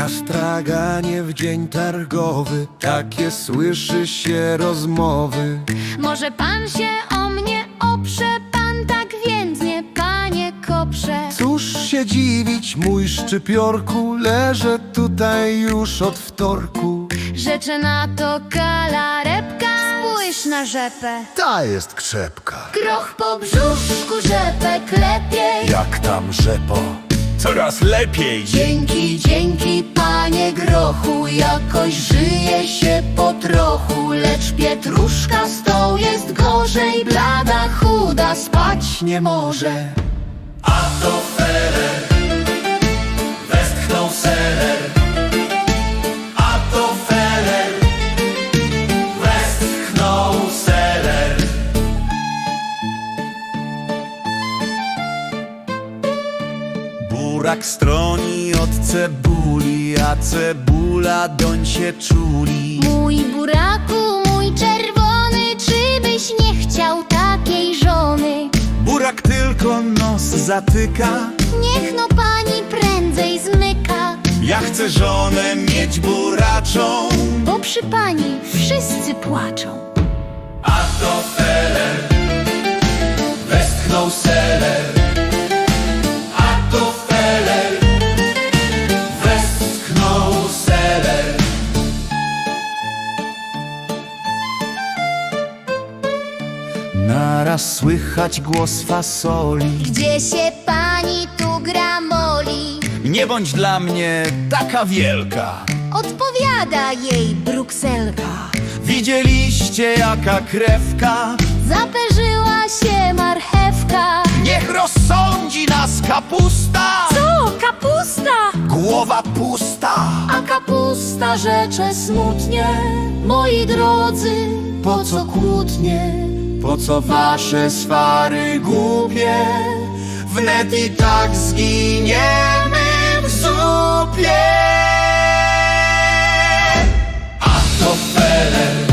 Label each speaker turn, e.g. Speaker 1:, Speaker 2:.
Speaker 1: Na straganie w dzień targowy takie słyszy się rozmowy.
Speaker 2: Może pan się o mnie oprze, pan tak więdnie, panie koprze.
Speaker 1: Cóż się dziwić, mój szczypiorku, leżę tutaj już od wtorku.
Speaker 2: Rzeczy na to kalarepka, spójrz na rzepę.
Speaker 1: Ta jest krzepka.
Speaker 2: Groch po brzuszku, rzepek lepiej.
Speaker 1: Jak tam rzepo? Coraz lepiej.
Speaker 2: Dzięki, panie grochu, jakoś żyje się po trochu. Lecz pietruszka z tą jest gorzej, blada, chuda, spać nie może.
Speaker 3: A to feller, westchnął seller. A to feller, westchnął seller. Burak stroni od cebuli, a cebula doń się czuli.
Speaker 2: Mój buraku, mój czerwony, czy byś nie chciał takiej żony?
Speaker 3: Burak tylko nos zatyka.
Speaker 2: Niech no pani prędzej zmyka,
Speaker 3: Ja chcę żonę mieć buraczą.
Speaker 2: bo przy pani wszyscy płaczą.
Speaker 3: A to feller, westchnął seller. A to feller, westchnął seller. Naraz słychać głos fasoli.
Speaker 2: Gdzie się pani tu gramoli?
Speaker 3: Nie bądź dla mnie taka wielka.
Speaker 2: Odpowiada jej Brukselka.
Speaker 3: Widzieliście jaka krewka?
Speaker 2: Zaperzyła się marchewka.
Speaker 3: Niech rozsądzi nas kapusta.
Speaker 2: Co, kapusta?
Speaker 3: Głowa pusta.
Speaker 2: A kapusta rzecze smutnie. Moi drodzy, po co kłótnie?
Speaker 3: Po co wasze swary głupie? Wnet i tak zginiemy w zupie. A to feller,